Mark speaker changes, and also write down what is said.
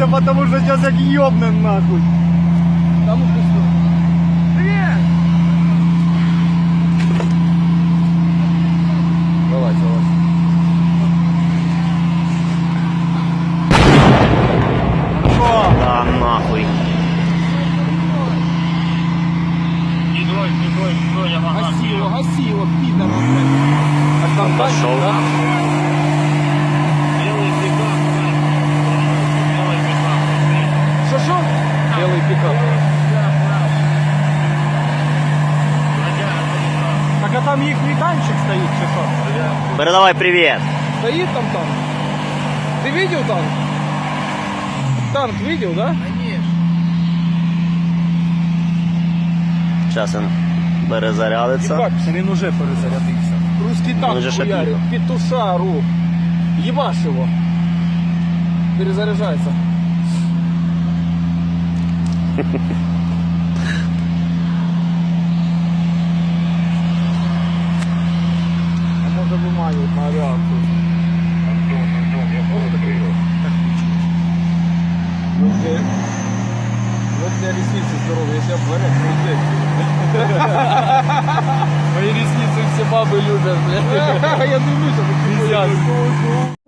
Speaker 1: потому что сейчас как ёбнем нахуй. Там пусто. Привет! Давай, давай.
Speaker 2: Да нахуй.
Speaker 1: Гаси его, пидор. А там
Speaker 2: Пошел.
Speaker 1: да? Что? Белый пикап. Так а там их танчик стоит, что?
Speaker 2: Передавай привет.
Speaker 1: Стоит там танк. Ты видел танк? Танк видел, да?
Speaker 2: Зараз він перезарядиться.
Speaker 1: Ебать, він уже перезарядився. Русский танк
Speaker 2: Він же ще
Speaker 1: хуярит. Петушару. Ебашь его. Перезаряжается. А може виманюють на авіацію. Антон, я просто прийду. Вот у меня ресницы здоровые, если обварят, мои ресницы все бабы любят, блядь. Я дивлюся,